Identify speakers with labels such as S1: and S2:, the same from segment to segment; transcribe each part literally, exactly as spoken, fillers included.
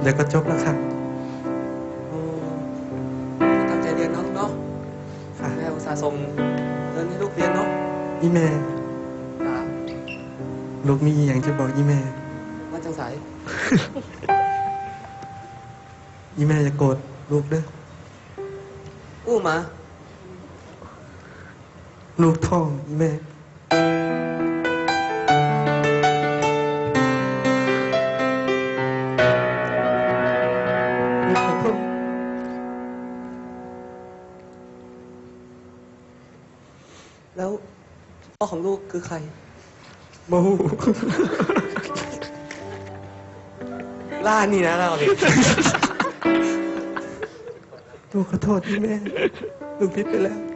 S1: เดี๋ยวก็จบแล้วครับ
S2: ตั้งใจเรียนเนาะลูกเนาะแม่อุตส่าห์ส่งเงินให้ลูกเรียนเนาะ
S1: อีแม่ลูกมีอย่างจะบอกอีแม่
S2: ว่าจังสาย
S1: อีแม่จะโกรธลูกเด้อ
S2: อู้มา
S1: ลูกท้องอีแม่
S2: แล้วพ่อของลูกคือใคร
S1: โม
S2: ล่านี่นะเราเนี่ย
S1: ลูกขอโทษที่แม่ลูกผิดไปแล้ว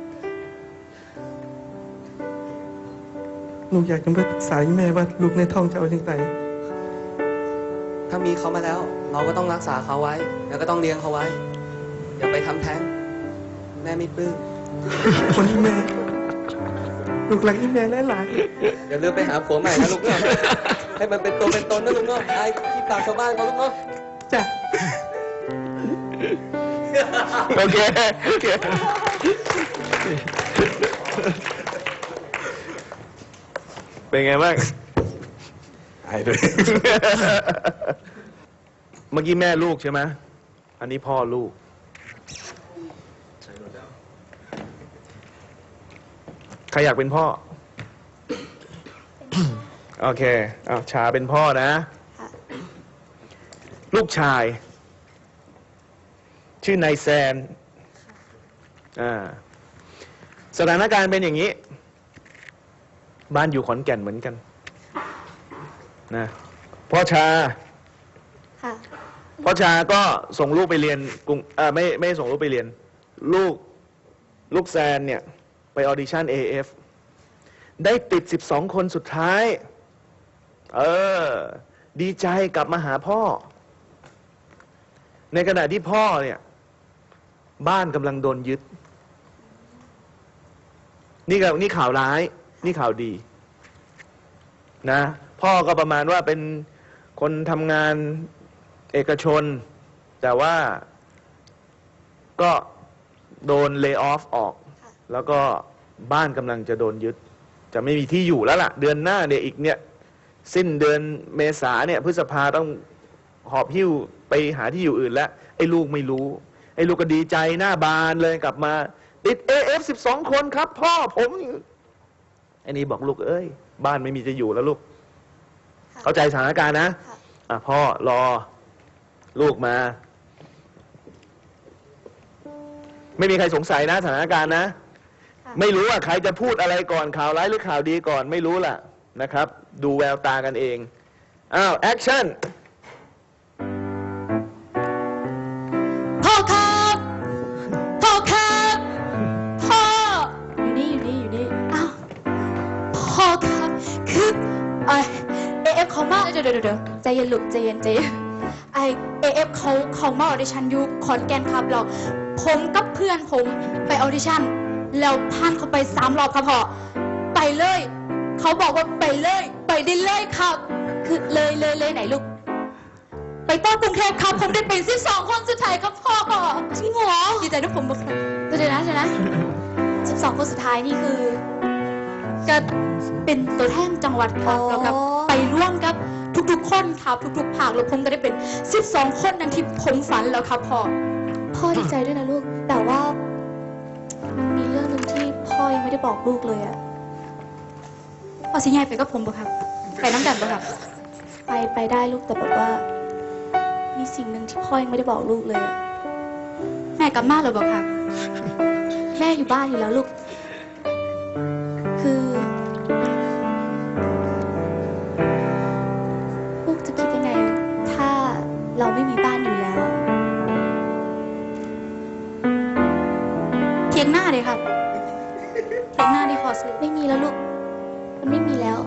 S1: ลูกอยากจะไปปรึกษาแม่ว่าลูกในท้องจะเอาอย่างไร
S2: ถ้ามีเขามาแล้วเราก็ต้องรักษาเขาไว้แล้วก็ต้องเลี้ยงเขาไว้อย่าไปทำแท้งแม่ไม่ปลื้ม
S1: คนที่แม่ลูกหลังอีแม่หลาย
S2: ๆอย่าลืมไปหาผัวใหม่นะลูกเนาะให้มันเป็นตัวเป็นตนนะลูกเนาะไอ้ที่ปากชาวบ้านเขาลูกเนาะ
S1: จ้ะ
S3: โอเคโอเคเป็นไงบ้างหายเลยเมื่อกี้แม่ลูกใช่ไหมอันนี้พ่อลูกใครอยากเป็นพ่อ โอเคอ้าวชาเป็นพ่อนะ ลูกชาย ชื่อนายแซนอ่าสถานการณ์เป็นอย่างนี้ บ้านอยู่ขอนแก่นเหมือนกันนะพ่อชาพ่อชาก็ส่งลูกไปเรียนกรุงอ่าไม่ไม่ส่งลูกไปเรียน ลูกลูกแซนเนี่ยไปออดิชั่น เอ เอฟ ได้ติดสิบสองคนสุดท้าย เออดีใจกลับมาหาพ่อ ในขณะที่พ่อเนี่ยบ้านกำลังโดนยึดนี่ก็นี่ข่าวร้ายนี่ข่าวดีนะพ่อก็ประมาณว่าเป็นคนทำงานเอกชนแต่ว่าก็โดนเลย์ออฟออกแล้วก็บ้านกำลังจะโดนยึดจะไม่มีที่อยู่แล้วล่ะเดือนหน้าเนี่ยอีกเนี่ยสิ้นเดือนเมษาเนี่ยพฤษภาต้องหอบหิ้วไปหาที่อยู่อื่นแล้วไอ้ลูกไม่รู้ไอ้ลูกก็ดีใจหน้าบานเลยกลับมาติด เอ เอฟ สิบสองคนครับพ่อผมไอ้นี่บอกลูกเอ้ยบ้านไม่มีจะอยู่แล้วลูกเข้าใจสถานการณ์นะอ่ะพ่อรอลูกมาไม่มีใครสงสัยนะสถานการณ์นะไม่รู้ว่าใครจะพูดอะไรก่อนข่าวร้ายหรือข่าวดีก่อนไม่รู้ล่ะนะครับดูแววตากันเองอ้าวแอคชั่น
S4: พ่อครับพ่อครับพ่ออยู่นี่อยู่นี่อยู่นี่อ้าวพ่อครับคือไอเอฟเขามาเดี๋ยวเดี๋ยวเดี๋ยวใจเย็นลูกใจเย็นใจเย็นไอเอฟเขาเขามาออดิชั่นอยู่ขอนแก่นครับเราผมกับเพื่อนผมไปออดิชั่นแล้วผ่านเขาไปสามรอบครับพ่อไปเลยเขาบอกว่าไปเลยไปได้เลยครับคือเลยเลยเลยไหนลูกไปต้อนกรุงเทพครับผมได้เป็นสิบสองคนสุดท้ายครับพ่อจริงเหรอดีใจด้วยผมบอกเดี๋ยวนะเดี๋ยวนะสิบสองคนสุดท้ายนี่คือจะเป็นตัวแทนจังหวัดครับแล้วก็ไปร่วมกับทุกๆคนครับทุกๆภาคแล้วผมก็ได้เป็นสิบสองคนนั้นที่ผมฝันแล้วครับพ่อพ่อดีใจด้วยนะลูกแต่ว่ามันมีเรื่องหนึ่งที่พ่อยังไม่ได้บอกลูกเลยอะพ่อสิยายไปกับผมบ่ครับไปน้ำกันบ่ครับไปไปได้ลูกแต่แบบว่ามีสิ่งหนึ่งที่พ่อยังไม่ได้บอกลูกเลยอะแม่กลับมาเลยบอกครับแม่อยู่บ้านอยู่แล้วลูกคือลูกจะคิดยังไงถ้าเราไม่มีบ้านอยู่แล้วเทียงหน้าเลยครับเทียงหน้าดีขอซื้อไม่มีแล้วลูกมันไม่มีแล้ว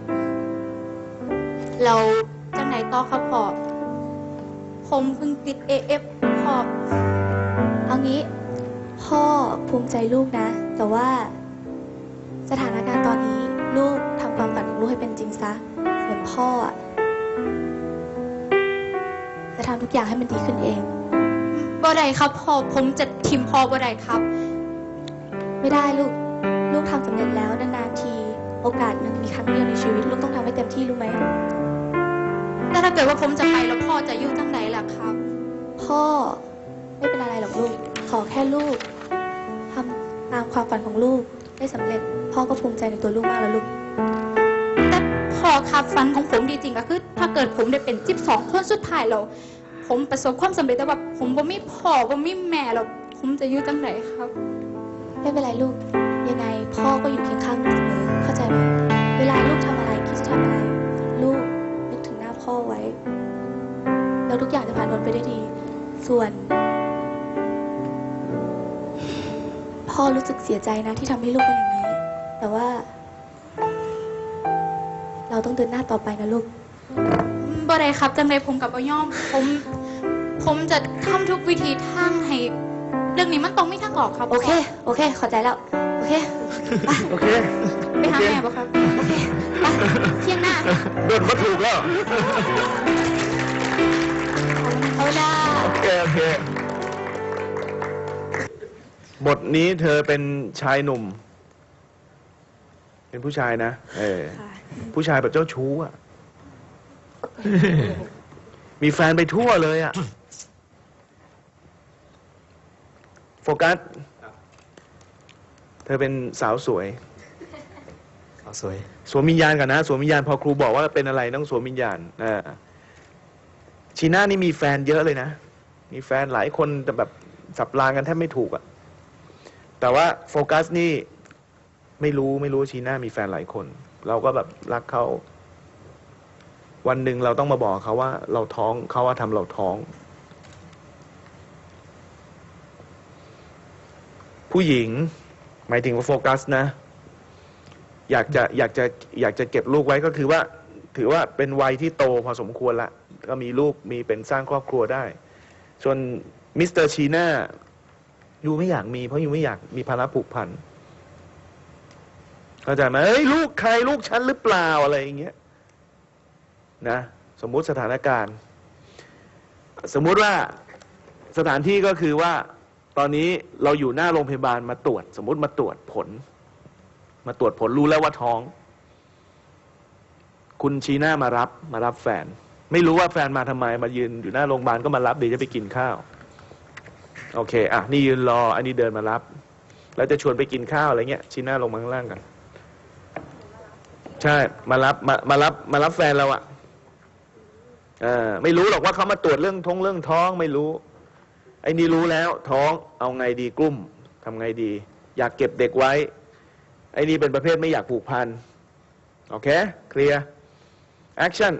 S4: เราจังไหนต่อครับพ่อผมเพิ่งติด เอ เอฟ พ่อเอางี้พ่อภูมิใจลูกนะแต่ว่าสถานการณ์ตอนนี้ลูกทำความฝันของลูกให้เป็นจริงซะเหมือนพ่ออะแจะทำทุกอย่างให้มันดีขึ้นเองบ่ได้ครับพ่อผมจะทิมพ่อบ่ได้ครับ ไม่ได้ลูก ลูกทำสำเร็จแล้วนานๆที โอกาสมันมีครั้งเดียวในชีวิต ลูกต้องทำให้เต็มที่รู้ไหมแต่ถ้าเกิดว่าผมจะไปแล้วพ่อจะอยู่ตั้งไหนล่ะครับ พ่อไม่เป็นอะไรหรอกลูก ขอแค่ลูกทำตามความฝันของลูกได้สำเร็จ พ่อก็ภูมิใจในตัวลูกมากแล้วลูก แต่พ่อครับฝันของผมดีจริงก็คือ ถ้าเกิดผมได้เป็นสิบสองคนสุดท้ายแล้วผมประสบความสำเร็จแต่ว่าผมบ่มีพ่อบ่มีแม่แล้วผมจะอยู่ตั้งไหนครับ ไม่เป็นไรลูก ยังไงพ่อก็อยู่เคียงข้างลูกเสมอเข้าใจไหมเวลาลูกทำอะไรคิดจะทำอะไร ลูกนึกถึงหน้าพ่อไว้ แล้วทุกอย่างจะผ่านพ้นไปได้ดี ส่วน พ่อรู้สึกเสียใจนะที่ทำให้ลูกเป็นอย่างนี้ แต่ว่า เราต้องเดินหน้าต่อไปนะลูกบ่ได้ครับจังเลยผมกับอย่อม ผม ผมจะทำทุกวิธีทางให้เรื่องนี้มันต้องไม่ทางออกครับ โอเค โอเคเข้าใจแล้ว โอเคไป
S3: โอเค
S4: ไปหาแม่ป่ะครับ โอเคไปเที่ยงหน้า
S3: โดนมาถูกแล้ว
S4: เอาได้
S3: โอเค โอเค บทนี้เธอเป็นชายหนุ่ม เป็นผู้ชายนะ เออ
S4: ค่ะ
S3: ผู้ชายแบบเจ้าชู้อ่ะ มีแฟนไปทั่วเลยอ่ะ โฟกัส เธอเป็นสาวสวย
S2: สาวสวย
S3: สวมวิญญาณก่อนนะ สวมวิญญาณพอครูบอกว่าเป็นอะไรต้องสวมวิญญาณอ่าชีน่านี่มีแฟนเยอะเลยนะ มีแฟนหลายคนแต่แบบสับรางกันแทบไม่ถูกอะแต่ว่าโฟกัสนี่ไม่รู้ไม่รู้ชีน่ามีแฟนหลายคน เราก็แบบรักเขาวันหนึ่งเราต้องมาบอกเขาว่า เราท้องเขาว่าทำเราท้อง ผู้หญิง หมายถึงว่าโฟกัสนะ อยากจะอยากจะอยากจะเก็บลูกไว้ก็คือว่า ถือว่าเป็นวัยที่โตพอสมควรละก็มีลูกมีเป็นสร้างครอบครัวได้ ส่วนมิสเตอร์ชีน่ายูไม่อยากมีเพราะยูไม่อยากมีภาระผูกพันเข้าใจไหมเอ้ยลูกใครลูกฉันหรือเปล่าอะไรอย่างเงี้ยนะสมมุติสถานการณ์ สมมุติว่าสถานที่ก็คือว่าตอนนี้เราอยู่หน้าโรงพยาบาลมาตรวจ สมมุติมาตรวจผล มาตรวจผลรู้แล้วว่าท้อง คุณชีน่ามารับมารับแฟน ไม่รู้ว่าแฟนมาทำไมมายืนอยู่หน้าโรงพยาบาลก็มารับเดี๋ยวจะไปกินข้าวโอเคอ่ะนี่ยืนรออันนี้เดินมารับ แล้วจะชวนไปกินข้าวอะไรเงี้ยชีน่าลงมาข้างล่างกันใช่มารับมามารับมารับแฟนเราอะอ่าไม่รู้หรอกว่าเขามาตรวจเรื่องท้องเรื่องท้องไม่รู้ไอ้นี่รู้แล้วท้องเอาไงดีกลุ้มทำไงดี อยากเก็บเด็กไว้ไอ้นี่เป็นประเภทไม่อยากผูกพันโอเคเคลียร์แอคชั่น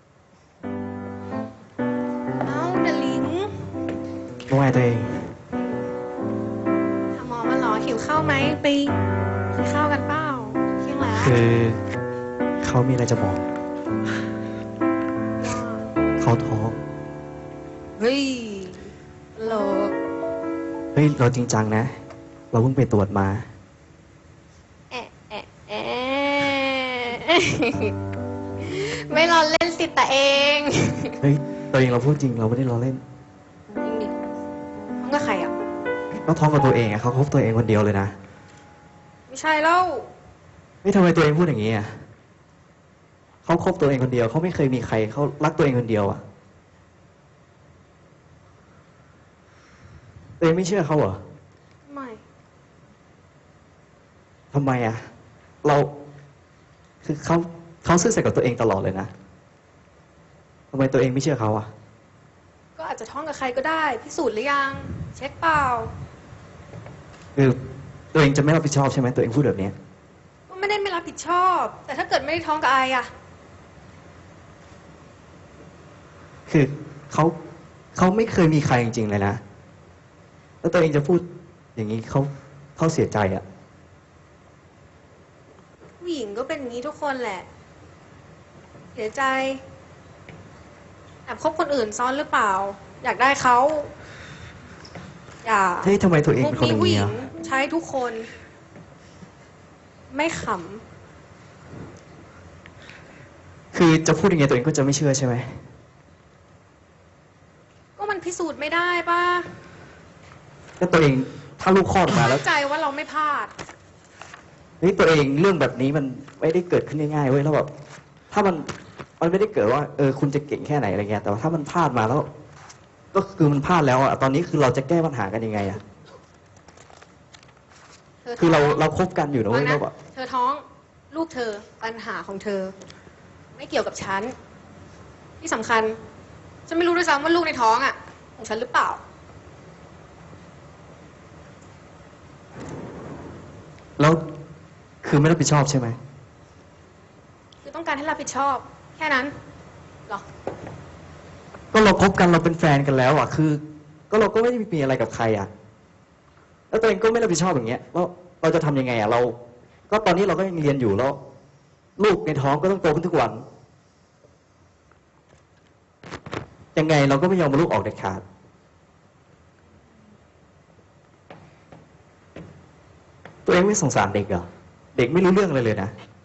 S5: เอ้าเดลิง
S6: ว่าไงตัวเอง
S5: หาหมอมาเหรอหิวข้าวไหมไปกินข้าวกันเปล่าเที่ยงแล้ว
S6: คือเขามีอะไรจะบอก
S5: ว่า
S6: เขาท้อง
S5: เฮ้ยโหล
S6: เฮ้ย เราจริงจังนะ เราเพิ่งไปตรวจมา
S5: แอะแอะแอะไม่รอเล่นสิแต่เอง
S6: เฮ้ย ตัวเองเราพูดจริง เราไม่ได้ล้อเล่น
S5: จริงดิท้องกับใครอ่ะ
S6: เขาท้องกับตัวเองอะเขาคบตัวเองคนเดียวเลยนะ
S5: ไม่ใช่แล้ว
S6: ไม่ทำไมตัวเองพูดอย่างนี้อะเขาคบตัวเองคนเดียว เขาไม่เคยมีใคร เขารักตัวเองคนเดียวอะตัวเองไม่เชื่อเขาเหรอ
S5: ไม่
S6: ทำไมอะเรา คือเขาเขาซื่อสัตย์กับตัวเองตลอดเลยนะทำไมตัวเองไม่เชื่อเขาอะ
S5: ก็อาจจะท้องกับใครก็ได้พิสูจน์หรือยัง เช็คเปล่า
S6: คือตัวเองจะไม่รับผิดชอบใช่ไหมตัวเองพูดแบบนี้
S5: ก็ไม่ได้ไม่รับผิดชอบ แต่ถ้าเกิดไม่ได้ท้องกับไออ่ะ
S6: คือเขาเขาไม่เคยมีใครจริงๆเลยนะ แล้วตัวเองจะพูดอย่างนี้เขาเขาเสียใจอะ
S5: ผู้หญิงก็เป็นอย่างนี้ทุกคนแหละ เสียใจแอบคบคนอื่นซ้อนหรือเปล่า อยากได้เขาอย่า
S6: เฮ้ยทำไมตัวเอง
S5: พว
S6: เป็
S5: ก
S6: นคน
S5: นี้
S6: อย่าง
S5: ผู้ห
S6: นี้
S5: ญิง
S6: อะ
S5: ใช้ทุกคน ไม่ข
S6: คือจะพูดยังไงตัวเองก็จะไม่เชื่อใช่ไหม
S5: ก็มันพิสูจน์ไม่ได้ป่ะ
S6: แล้วตัวเองถ้าลูกคลอดออกมาแล้ว
S5: มั่นใจว่าเราไม่พลาด
S6: นี่ตัวเองเรื่องแบบนี้มันไม่ได้เกิดขึ้นง่ายๆเว้ยแล้วแบบถ้ามันมันไม่ได้เกิดว่าเออคุณจะเก่งแค่ไหนอะไรเงี้ยแต่ว่าถ้ามันพลาดมาแล้ว ก็คือมันพลาดแล้วอะตอนนี้คือเราจะแก้ปัญหากันยังไงอะ
S5: เธอ
S6: คือเรา
S5: ท้ง
S6: เราคบกันอยู่นะ
S5: ฟั
S6: เว้
S5: ง
S6: ย
S5: นะ
S6: เราแบบ
S5: เธอท้องลูกเธอปัญหาของเธอ ไม่เกี่ยวกับฉัน ที่สำคัญ ฉันไม่รู้ด้วยซ้ำว่าลูกในท้องอ่ะ ของฉันหรือเปล่า
S6: แล้วคือไม่รับผิดชอบใช่ไหม
S5: คือต้องการให้รับผิดชอบ แค่นั้นเหรอ
S6: ก็เราคบกันเราเป็นแฟนกันแล้วอะคือ ก็เราก็ไม่ได้มีอะไรกับใครอะแล้วตัวเองก็ไม่รับผิดชอบอย่างเงี้ยแล้วเราจะทำยังไงอะเรา ก็ตอนนี้เราก็ยังเรียนอยู่แล้ว ลูกในท้องก็ต้องโตขึ้นทุกวัน ยังไงเราก็ไม่ยอมมาลูกออกเด็ดขาด ตัวเองไม่สงสารเด็กเหรอ เด็กไม่รู้เรื่องเลยเลยนะ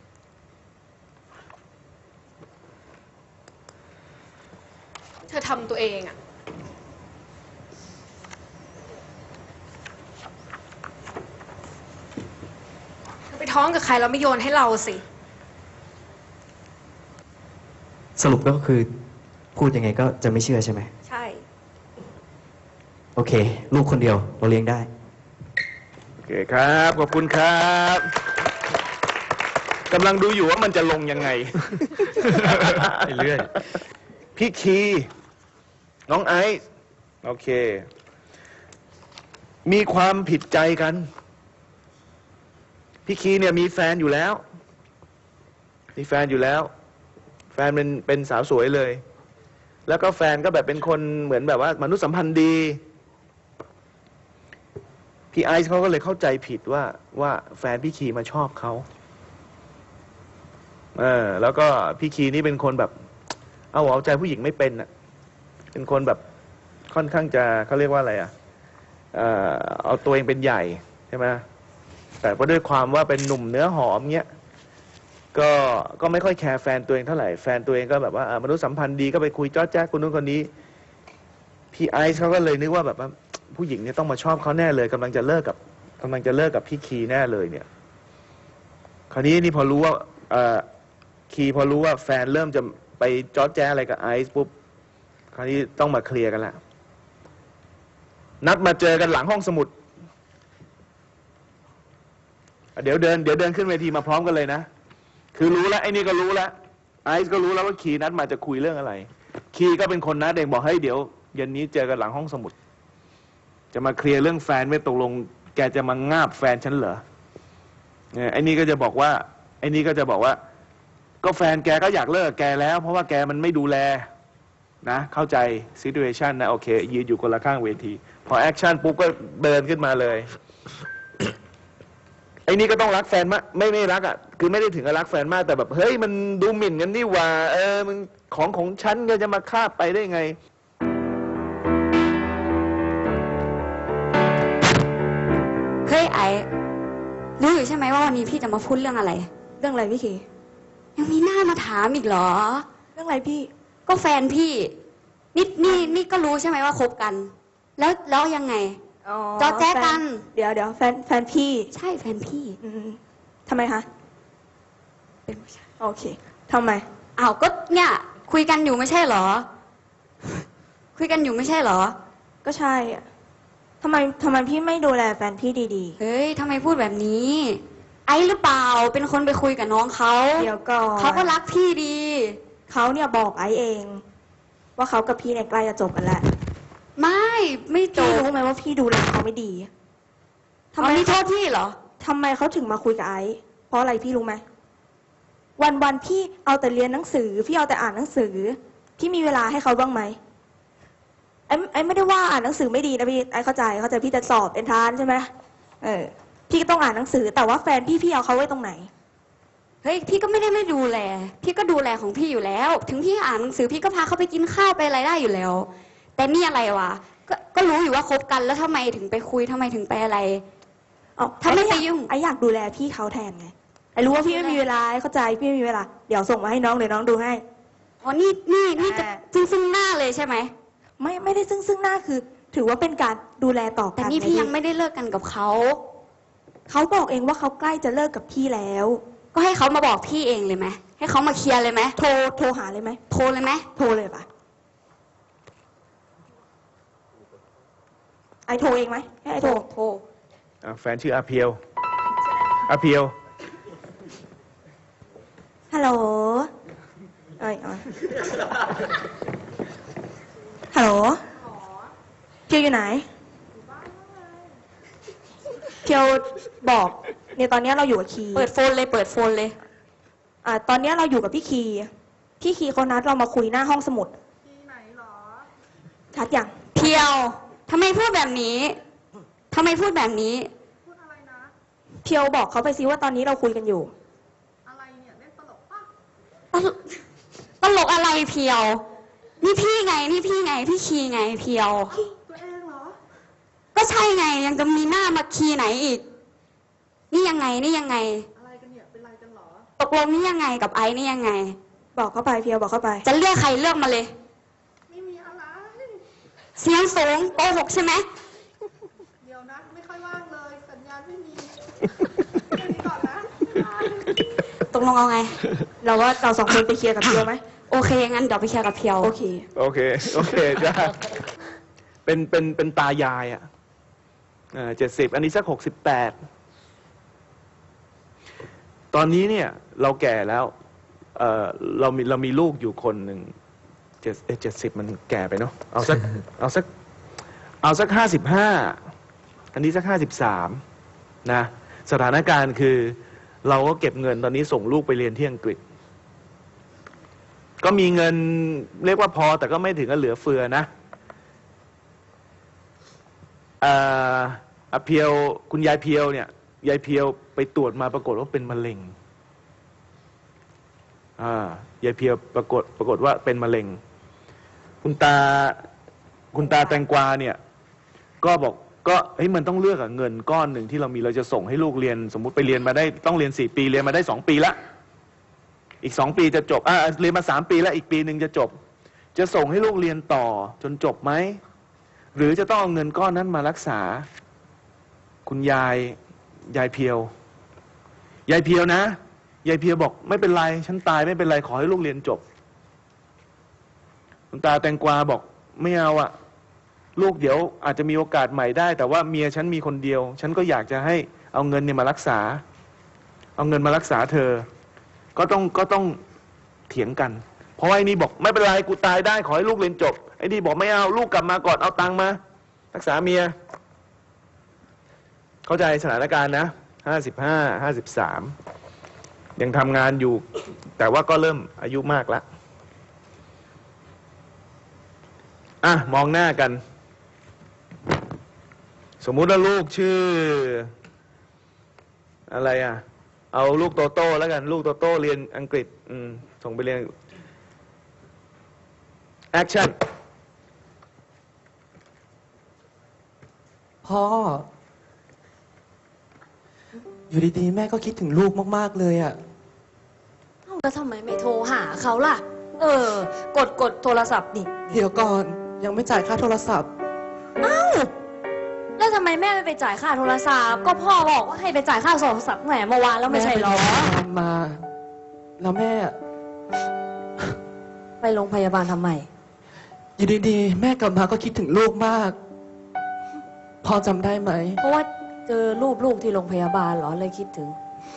S5: เธอทำตัวเองอ่ะ เธอไปท้องกับใครเราไม่โยนให้เราสิ
S6: สรุปก็คือพูดยังไงก็จะไม่เชื่อใช่ไหม
S5: ใช่
S6: โอเค ลูกคนเดียวเราเลี้ยงได้
S3: โอเคครับ ขอบคุณครับกำลังดูอยู่ว่ามันจะลงยังไง
S1: ไปเรื่อย
S3: พี่คี น้องไอซ์โอเค มีความผิดใจกัน พี่คีเนี่ยมีแฟนอยู่แล้ว มีแฟนอยู่แล้ว แฟนเป็นเป็นสาวสวยเลย แล้วก็แฟนก็แบบเป็นคนเหมือนแบบว่ามนุษยสัมพันธ์ดี พี่ไอซ์เขาก็เลยเข้าใจผิดว่าว่าแฟนพี่คีมาชอบเขาเออแล้วก็พี่คีนี่เป็นคนแบบ เอาหัวเอาใจผู้หญิงไม่เป็นอ่ะ เป็นคนแบบค่อนข้างจะเขาเรียกว่าอะไรอ่ะเอ่อเอาตัวเองเป็นใหญ่ใช่ไหมแต่ก็ด้วยความว่าเป็นหนุ่มเนื้อหอมเงี้ย ก็ก็ไม่ค่อยแคร์แฟนตัวเองเท่าไหร่ แฟนตัวเองก็แบบว่าเอ่อมนุษยสัมพันธ์ดีก็ไปคุยจ้อแจ๊กคนนู้นคนนี้ พี่ไอซ์เขาก็เลยนึกว่าแบบว่าผู้หญิงเนี่ยต้องมาชอบเขาแน่เลยกำลังจะเลิกกับกำลังจะเลิกกับพี่คีแน่เลยเนี่ย คราวนี้นี่พอรู้ว่าเอ่อคีพอรู้ว่าแฟนเริ่มจะไปจ้อแจ๊อะไรกับไอซ์ปุ๊บ คราวนี้ต้องมาเคลียร์กันละนัดมาเจอกันหลังห้องสมุด เดี๋ยวเดินเดี๋ยวเดินขึ้นเวทีมาพร้อมกันเลยนะ คือรู้แล้วไอ้นี่ก็รู้แล้วไอซ์ก็รู้แล้วว่าคีนัดมาจะคุยเรื่องอะไร คีก็เป็นคนนัดเองบอกให้เดี๋ยวเย็นนี้เจอกันหลังห้องสมุด จะมาเคลียร์เรื่องแฟนไม่ตกลง แกจะมางาบแฟนฉันเหรอเนี่ยไอ้นี่ก็จะบอกว่าไอ้นี่ก็จะบอกว่า ก็แฟนแกก็อยากเลิกแกแล้ว เพราะว่าแกมันไม่ดูแลนะเข้าใจซิทูเอชันนะโอเคยืนอยู่คนละข้างเวที พอแอคชั่นปุ๊บก็เดินขึ้นมาเลย ไอ้นี่ก็ต้องรักแฟนมากไม่ไม่รักอ่ะคือไม่ได้ถึงกับรักแฟนมากแต่แบบเฮ้ยมันดูหมิ่นกันนี่หว่าเออมันของของฉันก็จะมาคาบไปได้ไง
S4: เฮ้ยไอ้รู้อยู่ใช่ไหมว่าวันนี้พี่จะมาพูดเรื่องอะไร
S7: เรื่องอะไรพี่คี
S4: ยังมีหน้ามาถามอีกเหรอ
S7: เรื่องอะไรพี่
S4: ก็แฟนพี่ นี่นี่นี่ก็รู้ใช่ไหมว่าคบกัน แล้วแล้วยังไง
S7: อ๋อ
S4: จอแจ๊กัน
S7: ฟเดี๋ยวเดี๋ยวแฟนแฟนพี่
S4: ใช่แฟนพี่
S7: อืมทำไมคะ
S4: เป็นผู้ชาย
S7: โอเคทำไม
S4: อ้าวก็เนี่ย คุยกันอยู่ไม่ใช่เหรอ คุยกันอยู่ไม่ใช่เหรอ
S7: ก็ใช่อะทำไมทำไมพี่ไม่ดูแลแฟนพี่ดี
S4: เฮ้ยทำไมพูดแบบนี้ ไอ้หรือเปล่าเป็นคนไปคุยกับน้องเขา
S7: ๆ เดี๋ยวก่อน
S4: เขาก็รักพี่ดี
S7: เขาเนี่ยบอกไอ้เอง ว่าเขากับพี่เนี่ยใกล้จะจบกันแล้ว
S4: ไม่ไม่จ
S7: พี่
S4: บ
S7: รู้ไหมว่าพี่ดูแลเขาไม่ดี
S4: ทำไมนี่โทษพี่เหรอ
S7: ทำไมเขาถึงมาคุยกับไอ้เพราะอะไรพี่รู้ไหมวันวันๆพี่เอาแต่เรียนหนังสือ พี่เอาแต่อ่านหนังสือ พี่มีเวลาให้เขาบ้างไหมไอ้ไอ้ไม่ได้ว่าอ่านหนังสือไม่ดีนะพี่ไอ้เข้าใจเข้าใจพี่จะสอบเอนทรานซ์ใช่ไหมเออ พี่ก็ต้องอ่านหนังสือ แต่ว่าแฟนพี่พี่เอาเขาไว้ตรงไหน
S4: เฮ้ยพี่ก็ไม่ได้ไม่ดูแล พี่ก็ดูแลของพี่อยู่แล้ว ถึงพี่อ่านหนังสือพี่ก็พาเขาไปกินข้าวไปอะไรได้อยู่แล้ว แต่นี่อะไรวะก็ก็รู้อยู่ว่าคบกันแล้วทำไมถึงไปคุยทำไมถึงไปอะไร
S7: เอา
S4: ถ้าไม่
S7: อ้อยาก
S4: ไปยุ่ง
S7: ไอ้อยากดูแลพี่เขาแทนไงไอ้รู้ว่าพี่ไม่มีเวลาไอ้เข้าใจพี่ไม่มีเวลา เดี๋ยวส่งมาให้น้องเดี๋ยวน้องดูให้
S4: อ๋อนี่นี่นี่จะ
S7: อ่า
S4: ซึ่งซึ่งหน้าเลยใช่ไหม
S7: ไม่ไม่ได้ซึ่งซึ่งหน้าคือ ถือว่าเป็นการดูแลต่อ
S4: แต่
S7: กัน
S4: นี่พี่
S7: นะ
S4: ยังไม่ได้เลิกกันกับเขา
S7: เขาบอกเองว่าเขาใกล้จะเลิกกับพี่แล้ว
S4: ก็ให้เขามาบอกพี่เองเลยไหมให้เขามาเคลียร์เลยไหม
S7: โทรโทรหาเลยไหม
S4: โทรเลยไหม
S7: โทรเลยปะไอโทรเองไหมให้ไอโทร
S4: โทร
S3: อ่ะแฟนชื่ออาเพียวอาเพียว
S7: ฮัลโหลเอ้ยเอาฮัลโหลเพียวอยู่ไหนเพียวบอกเนี่ยตอนเนี้ยเราอยู่กับคี
S4: เปิดโฟนเลยเปิดโฟนเลย
S7: อ่าตอนเนี้ยเราอยู่กับพี่คีพี่คีเขานัดเรามาคุยหน้าห้องสมุดที่ไหนหรอชัดยัง
S4: เพียวทำไมพูดแบบนี้ทำไมพูดแบบนี้
S7: เพียวบอกเขาไปซิว่าตอนนี้เราคุยกันอยู่
S4: ตลกตลกอะไรเพียว นี่พี่ไง นี่พี่ไง พี่คีไงเพียว
S7: ตัวเองเหรอ
S4: ก็ใช่ไง ยังจะมีหน้ามาคีไหนอีก นี่ยังไง นี่ยังไง อะไรกันเนี่ย เป็นไรกันหรอ ตกลงนี่ยังไงกับไอ้นี่ยังไง
S7: บอกเข้าไปเพียวบอกเข้าไป
S4: จะเลือกใครเลือกมาเลย
S7: ไม่มีอะไร
S4: เสียงสูงโกหกใช่ไหม
S7: เดี๋ยวนะ ไม่ค่อยว่างเลย สัญญาณไม่มีแค่นี้ก่อนนะ
S4: ตกลงเอาไง
S7: เราว่าเราสองคนไปเคลียร์กับเพียวไหม
S4: โอเค งั้นเดี๋ยวไปเคลียร์กับเพียว
S7: โอเค
S3: โอเค โอเคได้เป็นเป็นเป็นตายายอ่ะเจ็ดสิบอันนี้สักหกสิบแปดตอนนี้เนี่ยเราแก่แล้วเออเรามีเรามีลูกอยู่คนหนึ่งเจ็ดเจ็ดสิบมันแก่ไปเนาะเอาสัก เอาสักเอาสักห้าสิบห้าอันนี้สักห้าสิบสามนะสถานการณ์คือ เราก็เก็บเงินตอนนี้ส่งลูกไปเรียนที่อังกฤษ ก็มีเงินเรียกว่าพอแต่ก็ไม่ถึงกับเหลือเฟือนะอ่าอ่ะเพียวคุณยายเพียวเนี่ยยายเพียวไปตรวจมาปรากฏว่าเป็นมะเร็งอ่ายายเพียวปรากฏปรากฏว่าเป็นมะเร็ง คุณตาคุณตาแตงกวาเนี่ยก็บอกก็เฮ้ยมันต้องเลือกอะเงินก้อนหนึ่งที่เรามีเราจะส่งให้ลูกเรียน สมมุติไปเรียนมาได้ต้องเรียนสี่ปีเรียนมาได้สองปีละอีกสองปีจะจบอ่าเรียนมาสามปีแล้วอีกปีหนึ่งจะจบ จะส่งให้ลูกเรียนต่อจนจบไหมหรือจะต้องเอาเงินก้อนนั้นมารักษา คุณยายยายเพียวยายเพียวนะยายเพียวบอกไม่เป็นไรฉันตายไม่เป็นไรขอให้ลูกเรียนจบคุณตาแตงกวาบอกไม่เอาอะลูกเดี๋ยวอาจจะมีโอกาสใหม่ได้แต่ว่าเมียฉันมีคนเดียวฉันก็อยากจะให้เอาเงินเนี่ยมารักษาเอาเงินมารักษาเธอก็ต้องก็ต้องเถียงกันเพราะไอ้นี่บอกไม่เป็นไรกูตายได้ขอให้ลูกเรียนจบไอ้นี่บอกไม่เอาลูกกลับมาก่อนเอาตังค์มารักษาเมียเข้าใจสถานการณ์นะห้าสิบห้าห้าสิบสามยังทำงานอยู่แต่ว่าก็เริ่มอายุมากแล้วอ่ะมองหน้ากันสมมุติว่าลูกชื่ออะไรอ่ะเอาลูกโตโต้แล้วกันลูกโตโต้เรียนอังกฤษอืมส่งไปเรียนแอคชั่น
S1: พ่อ อยู่ดีๆ แม่ก็คิดถึงลูกมากๆเลยอะ
S5: เอ้าแล้วทำไมไม่โทรหาเขาล่ะ เออ กดกดโทรศัพท์ดิ
S1: เดี๋ยวก่อนยังไม่จ่ายค่าโทรศัพท์
S5: แล้วทำไมแม่ไม่ไปจ่ายค่าโทรศัพท์ ก็พ่อบอกว่าให้ไปจ่ายค่าโทรศัพท์แหมเมื่อวานแล้วไม่ใช่เหรอ
S1: แม่ไปโรงพยาบาลมา แล้วแม่
S5: ไปโรงพยาบาลทำไม
S1: อยู่ดีๆ แม่กลับมาก็คิดถึงลูกมาก พ่อจำได้ไหม
S5: เพราะว่าเจอรูปลูกที่โรงพยาบาลเหรอเลยคิดถึง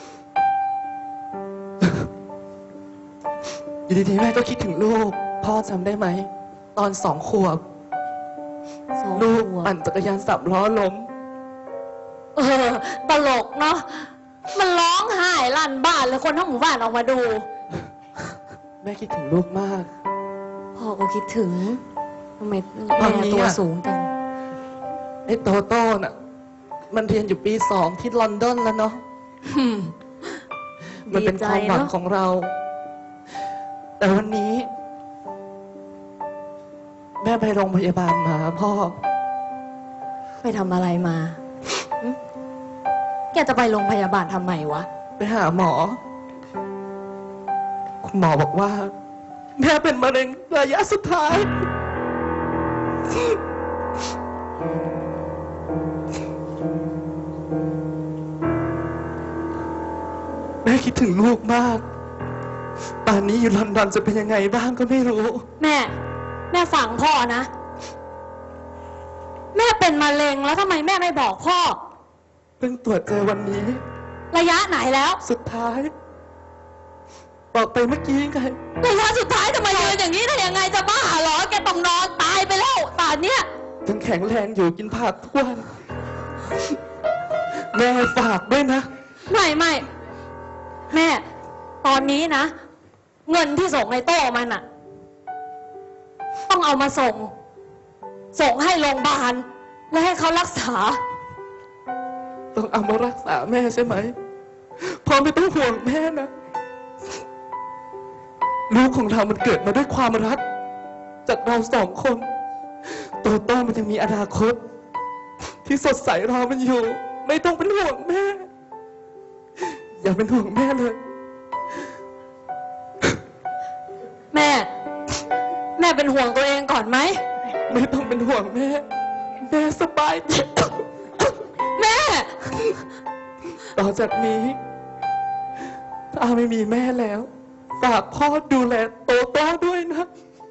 S1: อยู่ดีๆ แม่ก็คิดถึงลูก พ่อจำได้ไหม ตอนสองขวบ
S5: สอง
S1: ลูก
S5: ขวบ
S1: ปั่นจักรยานสามล้อล้ม
S5: เออตลกเนาะ มันร้องไห้ลั่นบ้านเลยคนทั้งหมู่บ้านออกมาดู
S1: แม่คิดถึงลูกมาก
S5: พ่อก็คิดถึงทำไม
S1: ตอ
S5: แม่
S1: นนี้
S5: ตัว
S1: อะ
S5: สูงจัง
S1: ไอ้โตโต้น่ะ มันเรียนอยู่ปีสองที่ลอนดอนแล้วเนาะ
S5: อืม
S1: มันเป็น
S5: ดีใจ
S1: ความหวัง
S5: เนอะ
S1: ของเรา แต่วันนี้ แม่ไปโรงพยาบาลมาพ่อ
S5: ไปทำอะไรมาหึแกจะไปโรงพยาบาลทำไมวะ
S1: ไปหาหมอ คุณหมอบอกว่า แม่เป็นมะเร็งระยะสุดท้ายแม่คิดถึงลูกมาก ป่านนี้อยู่ลอนดอนจะเป็นยังไงบ้างก็ไม่รู้
S4: แม่ แม่ฟังพ่อนะ แม่เป็นมะเร็งแล้วทำไมแม่ไม่บอกพ่อ
S1: เพิ่งตรวจเจอวันนี้
S4: ระยะไหนแล้ว
S1: สุดท้าย บอกไปเมื่อกี้ไง
S4: ระยะสุดท้ายทำไมยืนอย่างนี้ได้ยังไงจะบ้าเหรอ แกต้องนอนตายไปแล้วป่านเนี้ย
S1: ยังแข็งแรงอยู่กินผักทุกวัน แม่ฝากด้วยนะ
S4: ไม่ไม่แม่ ตอนนี้นะ เงินที่ส่งในโต้มันอะต้องเอามาส่ง ส่งให้โรงพยาบาลและให้เขารักษา
S1: ต้องเอามารักษาแม่ใช่ไหมพ่อไม่ต้องห่วงแม่นะ ลูกของเรามันเกิดมาด้วยความรัก จากเราสองคน โตโต้มันยังมีอนาคต ที่สดใสรอมันอยู่ ไม่ต้องเป็นห่วงแม่ อย่าเป็นห่วงแม่เลย
S4: แม่ แม่เป็นห่วงตัวเองก่อนไหม
S1: ไม่ต้องเป็นห่วงแม่ แม่สบายดี
S4: แม่
S1: ต่อจากนี้ ถ้าไม่มีแม่แล้ว ฝากพ่อดูแลโตโต้ด้วยนะ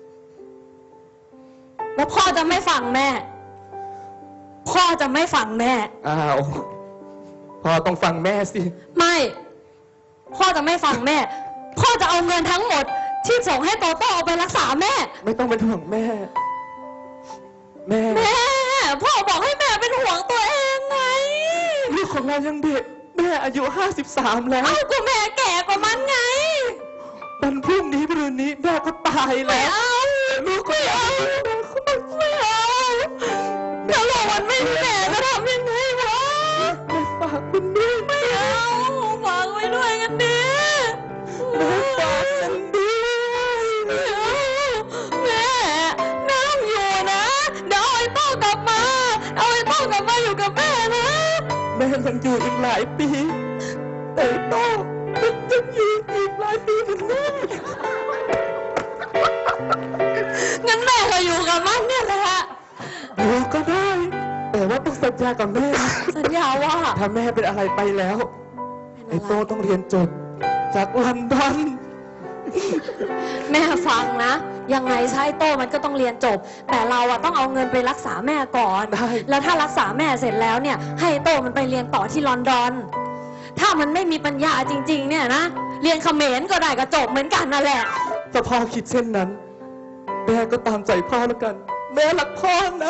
S4: แล้วพ่อจะไม่ฟังแม่ พ่อจะไม่ฟังแม่
S1: อ้าว พ่อต้องฟังแม่สิ
S4: ไม่ พ่อจะไม่ฟังแม่ พ่อจะเอาเงินทั้งหมด ที่ส่งให้โตโต้เอาไปรักษาแม่
S1: ไม่ต้องเป็นห่วงแม่ แม่
S4: แม่ พ่อบอกให้แม่เป็นห่วงตัวเองไง
S1: ลูกของเรายังเด็ก แม่อายุห้าสิบสามแล้ว
S4: เอาก็แม่แก่กว่ามันไง
S1: วันพรุ่งนี้พรุ่งนี้แม่ก็ตาย
S4: ไม่
S1: แล้ว
S4: เอา
S1: ลูกของเรา
S4: ไม่เอาถ้าเราวันไม่มีแม่จะทำยังไงวะ
S1: แม่ฝากคุณด้วย
S4: ไม่เอาฝากไว้ด้วยกันดิ
S1: แม่ฝากกันด้วย
S4: ไม่เอาแม่น้ำอยู่นะเดี๋ยวเอาไอ้โต้กลับมา เอาไอ้โต้กลับมาอยู่กับแม่นะ
S1: แม่ยังอยู่อีกหลายปี แต่โต้มันจะอยู่อีกหลายปีเหมือนแม่
S4: งั้นแม่ก็อยู่กับมันเนี่ยแหละ
S1: อยู่ก็ได้ แต่ว่าต้องสัญญากับแม่นะ
S4: สัญญาว่า
S1: ถ้าแม่เป็นอะไรไปแล้ว ไอ้โต้ต้องเรียนจบ จากลอนดอน
S4: แม่ฟังนะ ยังไงใช้โต้มันก็ต้องเรียนจบ แต่เราอะต้องเอาเงินไปรักษาแม่ก่อน
S1: ได้
S4: แล้วถ้ารักษาแม่เสร็จแล้วเนี่ย ให้โต้มันไปเรียนต่อที่ลอนดอน ถ้ามันไม่มีปัญญาจริง ๆ เนี่ยนะ เรียนเขมรก็ได้ก็จบเหมือนกันนั่นแหละ
S1: ถ้าพ่อคิดเช่นนั้น แม่ก็ตามใจพ่อแล้วกัน แม่รักพ่อนะ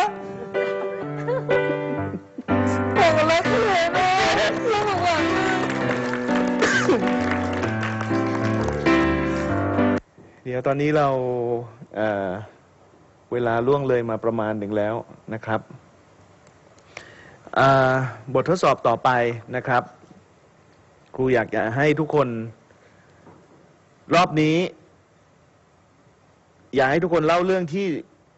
S1: พ่อรักแม่นะรักหวัง
S3: เดี๋ยวตอนนี้เราเอ่อเวลาล่วงเลยมาประมาณหนึ่งแล้วนะครับอ่าบททดสอบต่อไปนะครับ ครูอยากจะให้ทุกคนรอบนี้ อยากให้ทุกคนเล่าเรื่องที่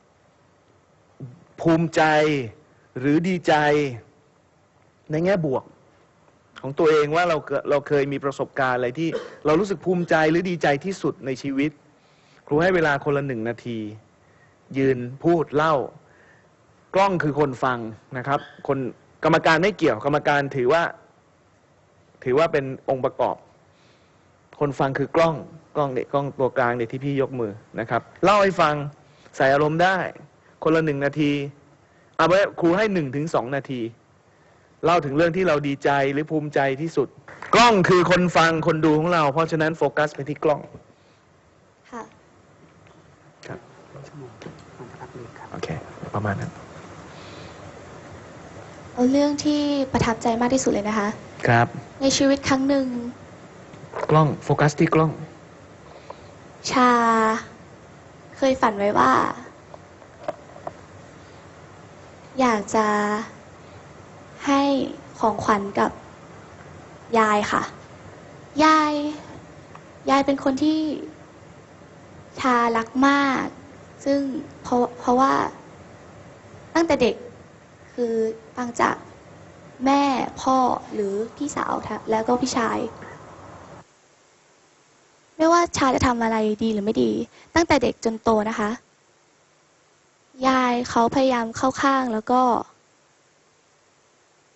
S3: ภูมิใจหรือดีใจในแง่บวกของตัวเองว่าเราเกิดเราเคยมีประสบการณ์อะไรที่เรารู้สึกภูมิใจหรือดีใจที่สุดในชีวิต ครูให้เวลาคนละหนึ่งนาที ยืนพูดเล่ากล้องคือคนฟังนะครับ คนกรรมการไม่เกี่ยวกรรมการถือว่า ถือว่าเป็นองค์ประกอบ คนฟังคือกล้องกล้องเนี่ยกล้องตัวกลางเนี่ยที่พี่ยกมือนะครับเล่าให้ฟังใส่อารมณ์ได้ คนละหนึ่งนาทีเอาไว้ครูให้หนึ่งถึงสองนาที เล่าถึงเรื่องที่เราดีใจหรือภูมิใจที่สุด กล้องคือคนฟังคนดูของเรา เพราะฉะนั้นโฟกัสไปที่กล้อง
S7: ค่ะ
S3: ครับโอเคประมาณนั้น
S8: เอาเรื่องที่ประทับใจมากที่สุดเลยนะคะ
S3: ครับ
S8: ในชีวิตครั้งหนึ่ง
S3: กล้องโฟกัสที่กล้อง
S8: ชา เคยฝันไว้ว่า อยากจะให้ของขวัญกับยายค่ะ ยาย ยายเป็นคนที่ชารักมาก ซึ่งเพราะเพราะว่าตั้งแต่เด็กคือฟังจากแม่พ่อหรือพี่สาวแล้วก็พี่ชาย ไม่ว่าชาจะทำอะไรดีหรือไม่ดี ตั้งแต่เด็กจนโตนะคะยายเขาพยายามเข้าข้างแล้วก็